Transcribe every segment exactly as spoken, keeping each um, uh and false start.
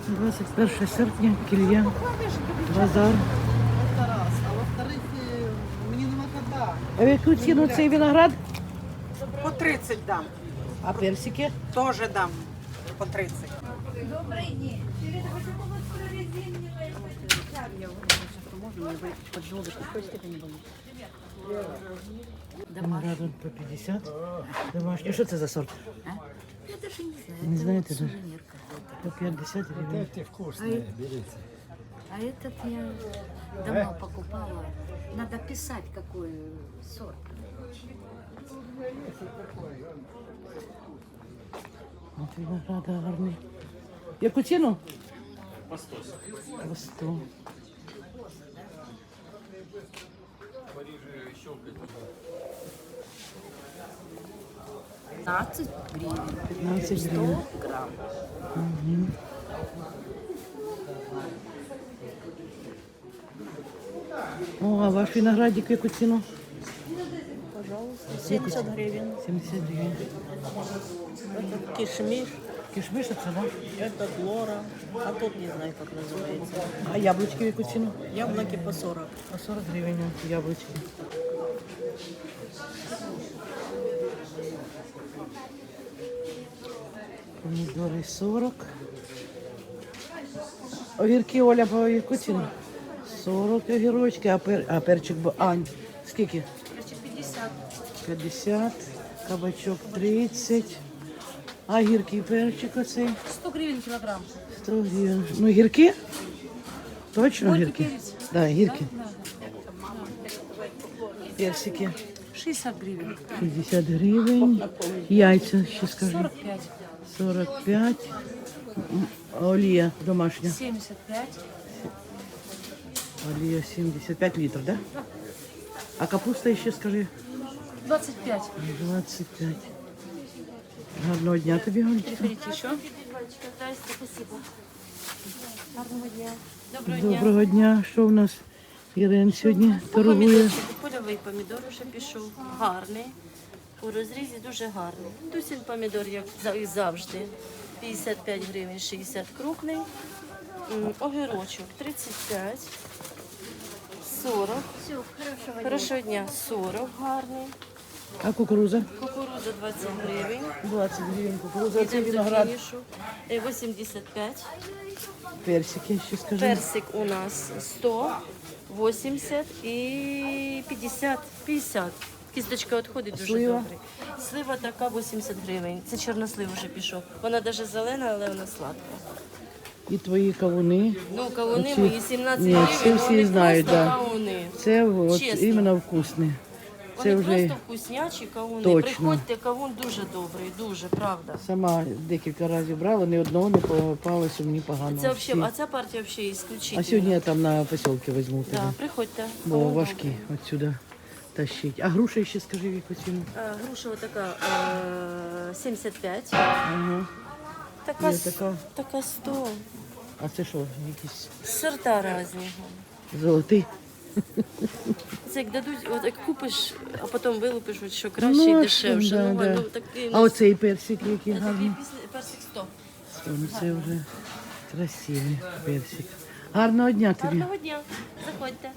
двадцять перше серпня, Кілія, базар. А во-вторых, э, мне нема когда. А в яку ціну цей виноград? По тридцать дам. А персики? Тоже дам по тридцать. Виноград по п'ятдесят. Домашній. Що це за сорт? Я даже не знаю. Не это знаете вот даже? сувенир какой-то. По п'ятдесят гривень. Эти вкусные, берите. А этот я давно покупала. Надо писать, какой сорт. От винограда гарний. Яку ціну? По сто. По сто. пятнадцать гривен. п'ятнадцять сто гривень. грамм. Мгм. О, а ваш виноградик в яку ціну? семьдесят гривен. сімдесят гривень. Это кишмиш, Кишмиш це, да? это глора, а тут не знаю, как называется. А яблучки в яку ціну? Яблоки по сорок. По сорок гривень яблучки. Помідори сорок. Огірки, Оля, по яку ціну? сорок огірочки, а, пер, а перчик, бо- Ань, скільки? пятьдесят. п'ятдесят, кабачок тридцять, а гірки і перчик оцей сто гривен килограмм. сто гривень. Ну, гірки? Точно Горький гірки? перець. Да, гірки. Персики шестьдесят гривен. шістдесят гривень, яйця, ще скажи, сорок пять. сорок п'ять, М, олія домашня, семьдесят пять. олія сімдесят п'ять літрів, да? А капуста ще скажи, двадцать пять. двадцять п'ять. Гарного дня тобі, Галь. Приходите еще. Доброго дня. Що у нас Ірин сьогодні торгує? Помідорчик, польовий помідор вже пішов. Гарний. У розрізі дуже гарний. Дусін помідор, як за- і завжди. п'ятдесят п'ять гривень, шістдесят крупний. М, Огірочок тридцять п'ять, сорок. Хорошого дня. сорок гарний. А кукуруза? Кукурудза двадцять гривень. двадцять гривень кукуруза. Це Йдемо до виноград. фінішу. Е, вісімдесят п'ять. Персики ще скажи. Персик у нас сто, вісімдесят і п'ятдесят. п'ятдесят. Кісточка відходить дуже Слива? добре. Слива така вісімдесят гривень. Це чорнослив вже пішов. Вона навіть зелена, але вона сладка. І твої кавуни. Ну, кавуни Оці- мої сімнадцять Ні, гривень, це всі вони знають, просто да. кавуни. Це от Чесно. іменно вкусне. Це Вони вже просто вкуснячі кавуни. Точно. Приходьте, кавун дуже добрий, дуже, правда. сама декілька разів брала, ні одного не попалося мені погано. Це Всі. взагалі, а ця партія взагалі ісключительна. А сьогодні я там на посілки візьму тебе. Да, приходьте. Бо Кавун важкі отсюди тащить. А груша ще скажи в яку ціну. Е, Груша така е, сімдесят п'ять. Ага. Така, Є с- така. така сто. А це що, якісь Сорта різні. золоті? Це як дадуть, от як купиш, а потім вилупиш, от що краще і а дешевше. що, да, ну, да. ну, такий, А оцей персик який такий гарний. після- персик сто. Ну це вже красивий персик. Гарного дня тобі. Гарного дня. Заходьте.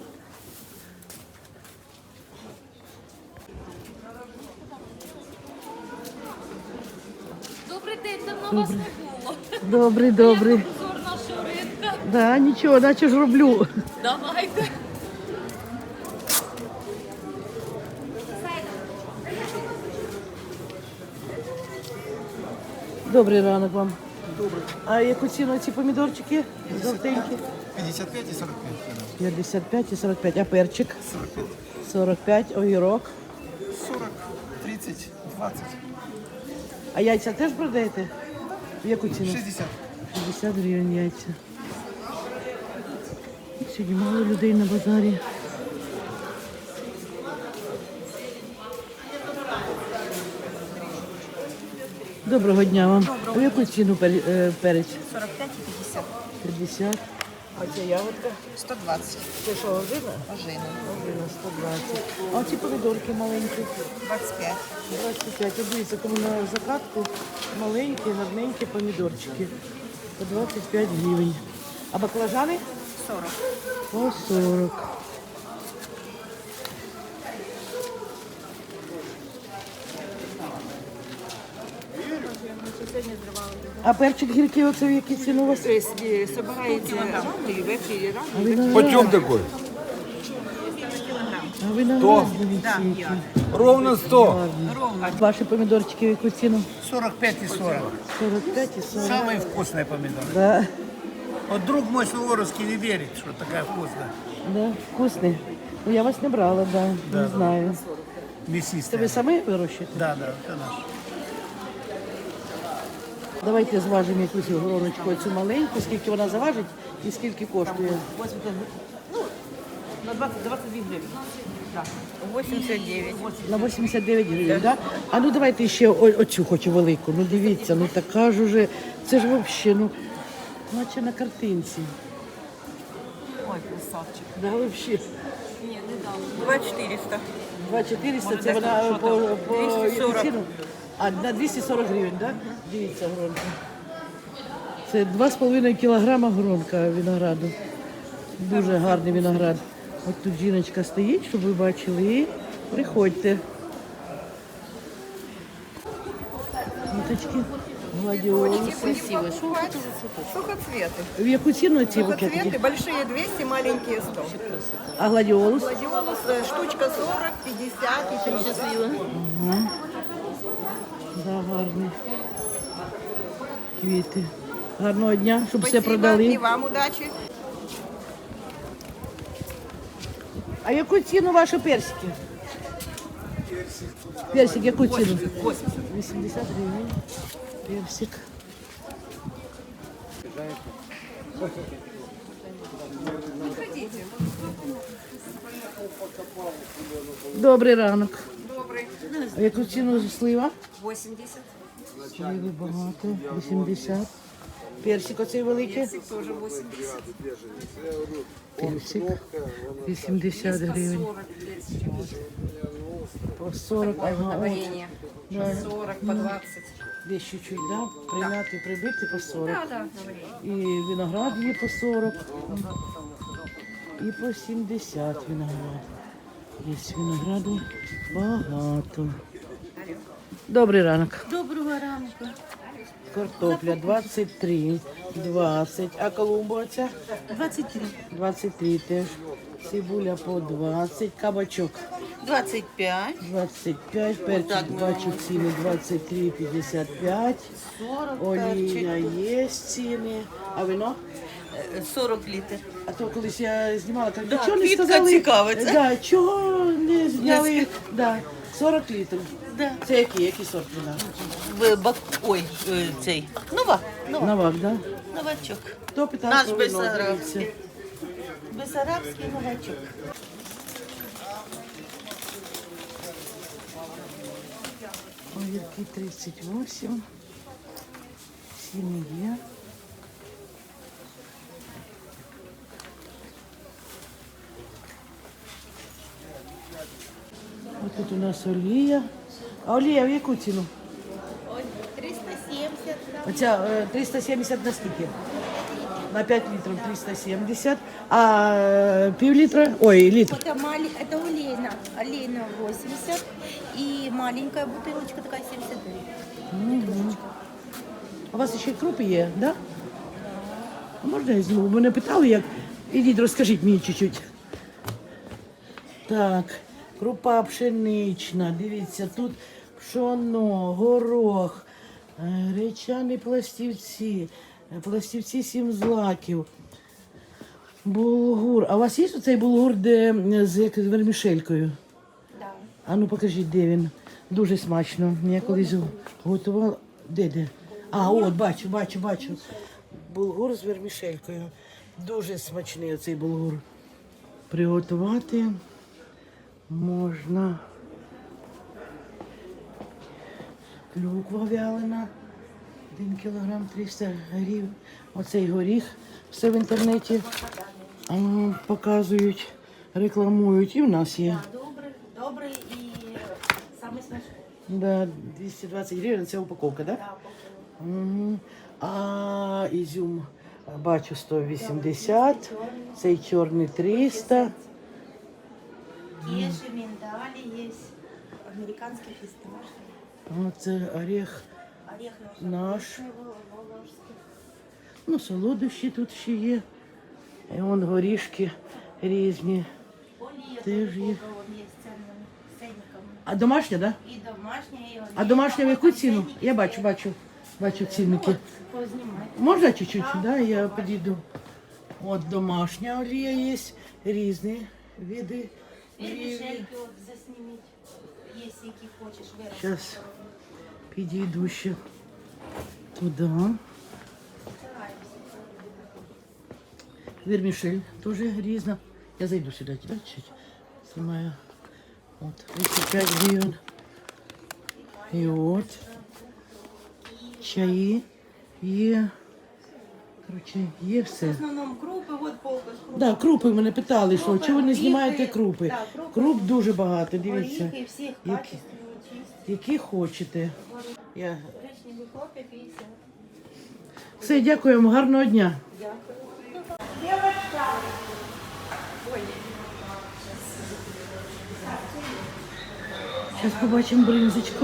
Добрий день, давно вас не було. Добрий, добрий. Обзор нашого ринка. Да, нічого, наче ж роблю. Давайте. Добрий ранок вам. Добрий. А яку ціну ці помідорчики? Жовтенькі? пятьдесят пять и сорок пять. п'ятдесят п'ять і сорок п'ять. А перчик? сорок п'ять. Огірок. сорок, тридцать, двадцать, А яйця теж продаєте? В яку ціну? шестьдесят. шістдесят гривень яйця. Сьогодні мало людей на базарі. Доброго дня вам. У яку ціну пер- е, перець? сорок пять и пятьдесят. п'ятдесят. А ця ягодка? сто двадцать. Це що, ожина? Ожина. Ожина сто двадцять. А ці помідорки маленькі? двадцать пять. двадцять п'ять. От дивіться, кому на закатку маленькі, гарненькі помідорчики. по двадцять п'ять гривень. А баклажани? сорок. По сорок. А перчик гіркий оце в якій ціну у вас? Собираете рано и ввечері рано. А виноград? Почем такой? А виноград, дивіться, який. Ровно сто. А ваші помідорчики в яку ціну? сорок пять и сорок. сорок п'ять і сорок. Самые вкусные помидоры. Да, Вот друг мой Суворовский не верит, что такая вкусная. да, вкусний. Ну я вас не брала, да, не знаю. Це Мясистая. ви самі вирощуєте? Да, да, это наш. Давайте зважимо якусь гороночку, цю маленьку, скільки вона заважить і скільки коштує. На двадцать, двадцать две гривны. восемьдесят девять. На вісімдесят дев'ять гривень, так? Да? А ну давайте ще о- оцю хочу велику. Ну дивіться, ну така ж уже, це ж взагалі, ну, наче на картинці. Ой, красавчик. Да, взагалі. два четыреста. два чотириста, Може, це десь вона там, що по, там? по двісті сорок. яку ціну? А, на двісті сорок гривень, так? Да? Дивіться, гронка. Це два з половиною кілограма гронка винограду. Дуже гарний виноград. От тут жіночка стоїть, щоб ви бачили, і приходьте. Ниточки, гладіолуси. Красиво. Что это за цветок? Сухоцветы. В яку ціну ці букетики? Сухоцветы большие двести, маленькие сто. А гладіолус? Гладиолус э, штучка сорок, пятьдесят и тридцать. Да, гарні. Квіти. Гарного дня, щоб все Спасибо, продали. и вам удачи. А яку ціну ваші персики? Персик, яку ціну? вісімдесят гривень. Персик. Добрий ранок. Добрый. А яку ціну слива? восемьдесят. Сливи багато. вісімдесят. Персик оцей великий? Тоже восемьдесят. Персик. вісімдесят гривень. По сорок. Ага, от. Да. сорок по двадцать. Десь чуть-чуть, да? Прийняти, прибити по сорок. І виноград є по сорок. І по сімдесят виноград. Є винограду багато. Добрий ранок. Доброго ранку. Картопля двадцять три, двадцять. А колумба оця? двадцять три. двадцять три теж. Цибуля по двадцять. Кабачок двадцать пять. двадцять п'ять. Перчик бачу ціни двадцять три п'ятдесят п'ять. Олія є ціни. А вино? сорок литров. А то колись я знімала, так Да, чого не квітка сказали? цікавиться. Да, чого не зняли? Да, сорок літрів. Да. Це який? Який сорт вина? В бак... Ой, е, цей. Нова. Нова. Новак, да? Новачок. Хто питав Наш про вино? бессарабський. Дивіться. Бессарабський новачок. Огірки тридцять вісім. Ціни є. Ось тут у нас олія. А олія в яку ціну? триста сімдесят. Оця е, триста сімдесят на скільки? На п'ять літрів триста сімдесят. А е, пів літра? Ой, літр. Это, мали... это олейна. Олейна восемьдесят. И маленькая бутылочка такая семьдесят гривен. У вас ще крупи є, так? Да? А можна я зніму? Мене питали, як. Ідіть, розкажіть мені чуть-чуть. Так, крупа пшенична. Дивіться, тут пшоно, горох, е, гречані пластівці, е, пластівці сім злаків, булгур. А у вас є оцей булгур, де е, з, як, з вермішелькою? Да. А ну покажіть, де він. Дуже смачно. Я колись готувала. Де де? А, от, бачу, бачу, бачу. Булгур з вермішелькою. Дуже смачний оцей булгур. Приготувати можна. Клюква вялена. Один кілограм триста гривень. Оцей горіх. Все в інтернеті а, показують, рекламують. І в нас є. Добрый, добрый и самый смачный. Да, двісті двадцять гривень, це упаковка, так? Да? Угу. А ізюм бачу сто вісімдесят, цей чорний триста. Є ще миндалі, є американський фісташ. Оце орех Орех наш. волошський. Ну, солодощі тут ще є. І вон горішки різні. Олія Теж є. є з цінним ценником. А домашня, так? Да? І домашня, і олія. А домашня в яку ціну? Я бачу, бачу, бачу цінники. Познімайте. Можна чуть-чуть? Да, я підійду. От домашня олія є, різні види. І олії. мішельки от засніміть, якщо які хочеш виробити. Зараз підійду ще туди. Вермішель теж різна. Я зайду сюди, да, чуть знімаю. От, тридцять п'ять гривень. І от. Чаї є. Коротше, є все. В основному крупи, от полка з крупи. Да, крупи мене питали, що Крупи, чого ви не оріхи. знімаєте крупи? Да, крупи. Круп дуже багато, дивіться. Оріхи всіх Які, качественні, чисті. які хочете. Я... Гречневі хлопці п'ятдесят. Все, дякуємо, гарного дня. Зараз побачимо бринзочку.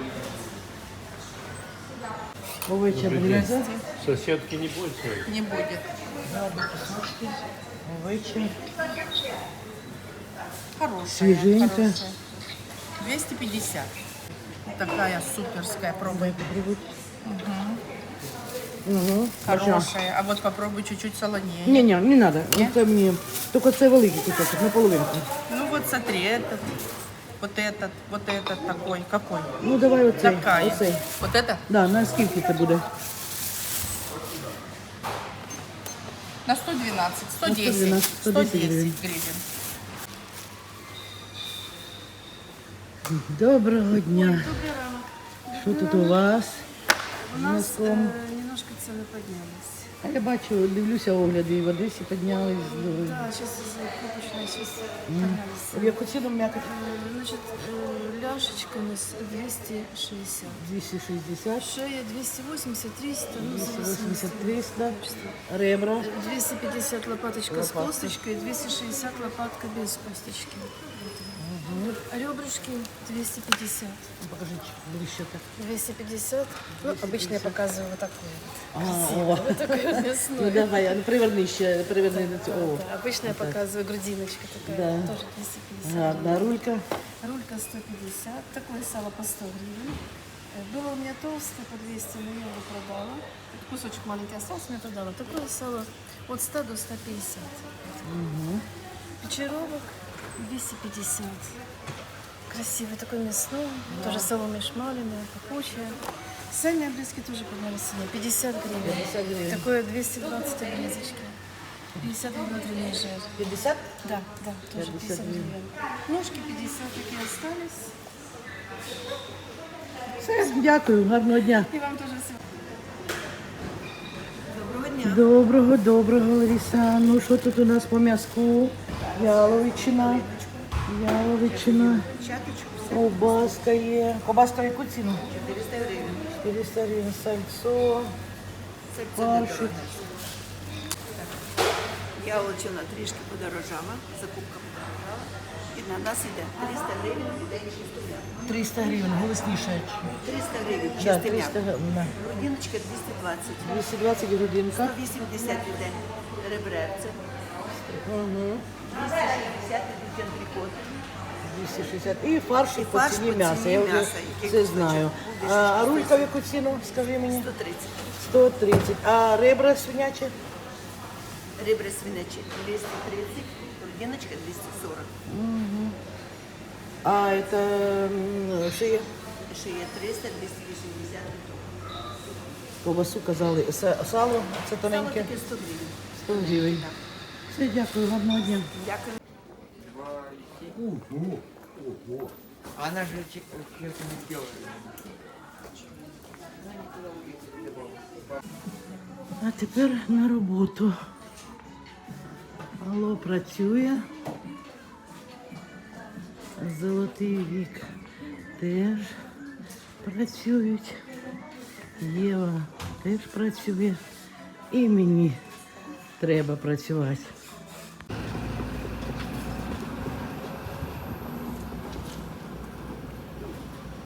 Овеча бринза. Соседки не больше. Не будет. Овеча. Хорошая. Свеженькая. хорошая. двести пятьдесят. Такая суперская. Пробуй. Угу. Хорошая. А вот попробуй чуть-чуть солонее. Ні, ні, не треба. Це мені. Тільки це великий кусочок, наполовинку. Ну вот смотри, этот, вот этот, вот этот такой. Какой? Ну давай оцей. Такая. Оцей. Вот это? Да, на скільки це буде? На сто двенадцать, сто На десять. сто двенадцать, сто сто десять десять гривен. гривен. Доброго дня. Що тут у вас? У нас Знаком. э, немножко цены поднялись. А я бачу, дивлюся огляди, і в Одесі піднялись. Да, сейчас из-за покупочной сейчас поднялись. В яку ціну м'якоть? Э, Значит, э, ляшечка у нас двести шестьдесят. двісті шістдесят, Шея двести восемьдесят, триста, ну, в двісті зависимости вісімдесят, от триста, качества. ребра. двести пятьдесят лопаточка с Лопатка. косточкой, двести шестьдесят лопатка без косточки. Ребрышки двести пятьдесят. Покажіть ближче так. двести пятьдесят. Ну, обычно я показываю вот такое. А, о. Вот такое Ну мясное. давай, а ну приверни ще, приверни до цього. О, Да, обычно я показываю грудиночка такая, Да. тоже двести пятьдесят. гарна рулька. Рулька сто пятьдесят, такое сало по сто гривен. Э, Было у меня толстое по двести, но я его продала. Кусочек маленький остался, но я продала. Такое сало от ста до ста пятьдесят. Печеровок двести пятьдесят. Красивый такой мясной, тоже соломе шмаленое, пахучее. Сальные обрезки тоже поднялись ценой, пятьдесят гривен. пятьдесят гривен. Такое двести двадцать обрезочки. пятьдесят гривен внутренний жир. п'ятдесят? Да, да, тоже пятьдесят пятьдесят гривен. Ножки пятьдесят такие остались. Все, дякую, гарного дня. И вам тоже всего. Доброго, доброго, Лариса. Ну що тут у нас по м'язку? Яловичина. Яловичина. Ковбаска є. Ковбаска в яку ціну? чотириста гривень. чотириста гривень. Сальцо. Фаршик. Яловичина трішки подорожала, закупка подорожала. І на нас іде триста гривень, іде чисто м'ясо. триста гривень, голосніше. триста гривень, Да, чисте триста м'ясо. гривень. да. Грудиночка двісті двадцять. двісті двадцять грудинка. сто вісімдесят іде ребревце. Угу. двісті шістдесят ідуть антрикоти. двісті шістдесят. І фарш І по фарш ціні по м'яса. ціні Я вже м'яса, який це кусочок знаю. буде, А, а шістдесят. рулька в яку ціну, скажи мені? сто тридцять. сто тридцять. А ребра свинячі? Ребра свинячі двісті тридцять, грудиночка двісті сорок. А это м, шия? Шия триста, двісті вісімдесят. Ковбасу казали. Са- Сало, це Сало тоненьке. таке сто гривень. сто гривень. Все, дякую, гарного дня. Дякую. Она же честно не сделала. А тепер на роботу. Алло працює. Золотий вік теж працюють. Єва теж працює. І мені треба працювати.